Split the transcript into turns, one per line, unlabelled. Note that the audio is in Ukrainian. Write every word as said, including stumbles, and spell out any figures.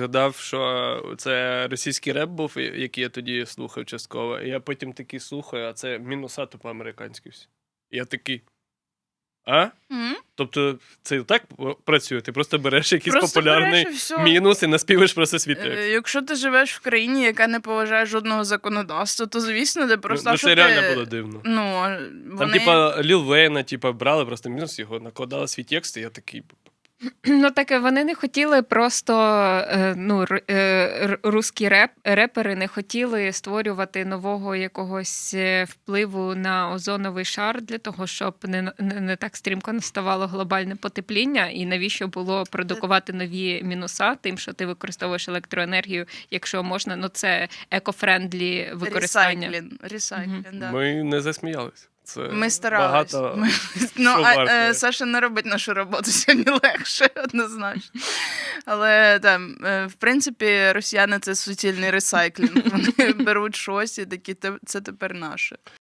згадав, що це російський реп був, який я тоді слухав частково. І я потім такий слухаю, а це мінуса тупо американські всі. Я такий. А?
Mm-hmm.
Тобто це так працює? Ти просто береш якийсь
просто
популярний
береш і
мінус і наспіваєш просто свій текст.
Е, якщо ти живеш в країні, яка не поважає жодного законодавства, то, звісно, де просто...
Ну,
що
це
ти...
реально було дивно.
Ну, вони...
Там, типа, Ліл Вейна, типа, брали просто мінус його, накладали свій текст, і я такий...
Ну, таке, вони не хотіли просто, ну, русські реп, репери не хотіли створювати нового якогось впливу на озоновий шар для того, щоб не, не, не так стрімко наставало глобальне потепління, і навіщо було продукувати нові мінуса тим, що ти використовуєш електроенергію, якщо можна, ну, це еко-френдлі використання.
Ресайклінг, ресайклінг,
Угу.
да.
Ми не засміялись. Це
Ми старались.
багато
Ми... Ну,
що
а,
вартує.
е, Саша не робить нашу роботу сьогодні легше, однозначно. Але, там, е, в принципі, росіяни – це суцільний ресайклінг. Вони беруть щось і такі, це тепер наше.